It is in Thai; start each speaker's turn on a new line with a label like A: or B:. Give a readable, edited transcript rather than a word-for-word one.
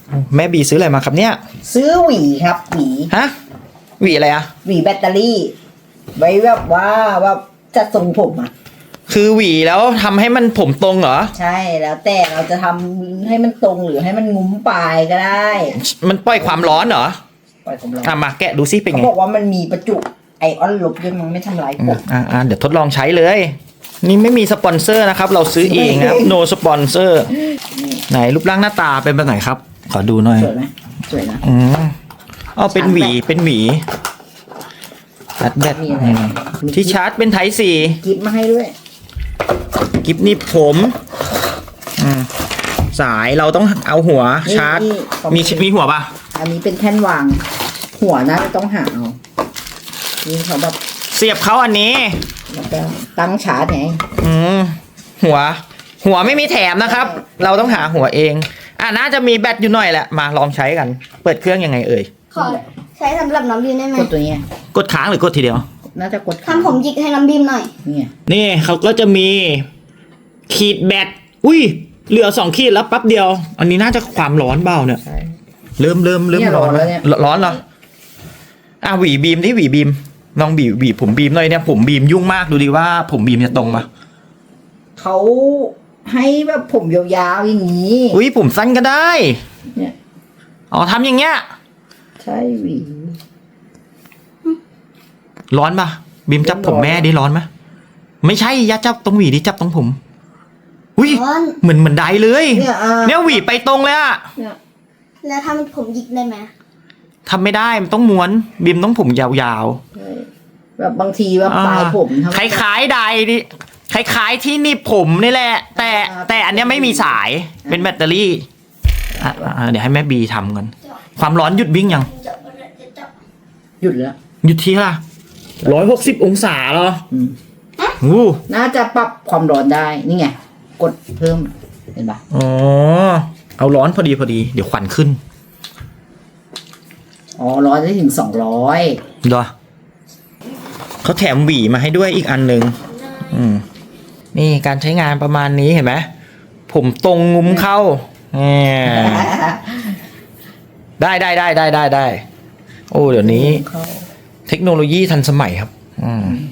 A: แม่บีซื้ออะไรมาครับเนี่ย
B: ซื้อหวีครับหวี
A: ฮะหวีอะไรอะ
B: หวีแบตเตอรี่ ไว้แบบว่าจะทรงผมอ่ะ
A: คือหวีแล้วทำให้มันผมตรงเหรอ
B: ใช่แล้วแต่เราจะทำให้มันตรงหรือให้มันงุ้มปลายก็ได้
A: มันปล่อยความร้อนเหรอ
B: ปล่อยผมลอง
A: มาแกะดูซิเป็น
B: เขา
A: ไง
B: บอกว่ามันมีประจุไอออนลบด้วยมันไม่ทำลายผม
A: เดี๋ยวทดลองใช้เลย นี่ไม่มีสปอนเซอร์นะครับ เราซื้อเองนะครับ no sponsor ไหนรูปร่างหน้าตาเป็นแบบไหนครับ ขอดูหน่อย
B: สวยไหมสวยนะ
A: เอาเป็นหวีเป็นหวีชาร์จแบต
B: มีอะไรมี
A: ที่ชาร์จเป็นไทป์
B: กิฟต์มาให้ด้วย
A: 4กิฟนี่ผมสายเราต้องเอาหัวชาร์จ มีหัวปะ
B: อันนี้เป็นแท่นวาง หัวน่าจะต้องหาเอานี่เขาแบบ
A: เสียบเขาอันนี้
B: แล้วก็ตั้งชาร์จไง
A: หัวไม่มีแถมนะครับ เราต้องหาหัวเองน่าจะมีแบตอยู่หน่อยแหละมาลองใช้กัน เปิดเครื่องยังไงเอ่ย
C: ขอใช้สำหรับน้องบีมได้ไหม
B: กดตัวเนี้ย
A: กดค้างหรือกดทีเดียว
B: น่าจะกด
C: ทำผมหยิกให้น้องบีมหน่อย
B: นี่ไง
A: นี่เขาก็จะมีขีดแบตอุ้ยเหลือ2 ขีดแล้วแป๊บเดียว อันนี้น่าจะความร้อนเบาเนี่ย
B: ใช่
A: เริ่ม
B: เนี่ย
A: ร้อน
B: ร้อนแล้วเนี่ย
A: ร้อนเหรอหวีบีมดิหวีบีมลองบีบผมบีมหน่อยเนี่ยผมบีมยุ่งมากดูดิว่าผมบีมจะตรงปะ
B: เขาให้แบบผมยาวๆอย่างนี้
A: อุ้ยผมสั้นก็ได้
B: เนี่ย
A: อ๋อทำอย่างเงี้ย
B: ใช่หวี
A: ร้อนปะบีมจับผมแม่ดิร้อนไหมไม่ใช่อย่าจับตรงหวีดิจับตรงผมอุ้ย
C: ร้อน
A: เหมือนไดเลย
B: เนี่ย
A: เนี่ยหวีไปตรงเลยอะ
B: เนี่ย
C: แล้วทำผมหยิกได้ไหม
A: ทำไม่ได้มันต้องม้วนบีมต้องผมยาว
B: ใช่แบบบางทีว่า
A: ๆ
B: ปลายผมทำ
A: คล้ายๆไดดิคล้ายๆที่หนีบผมนี่แหละ แต่อันเนี้ยไม่มีสายเป็นแบตเตอรี่เดี๋ยวให้แม่บีทำกันความร้อนหยุดวิ่งยัง
B: หยุดแล้ว
A: หยุดที่ละ160 องศาเหรอ
B: อืม
A: อู้
B: น่าจะปรับความร้อนได้นี่ไงกดเพิ่มเห็นปะ
A: อ๋อเอาร้อนพอดีเดี๋ยวควันขึ้น
B: อ๋อร้อนได้ถึง200
A: เหรอเขาแถมหวีมาให้ด้วยอีกอันหนึ่งนี่การใช้งานประมาณนี้เห็นไหมผมตรงงุ้มเข้าได้โอ้เดี๋ยวนี้ เทคโนโลยีทันสมัยครับ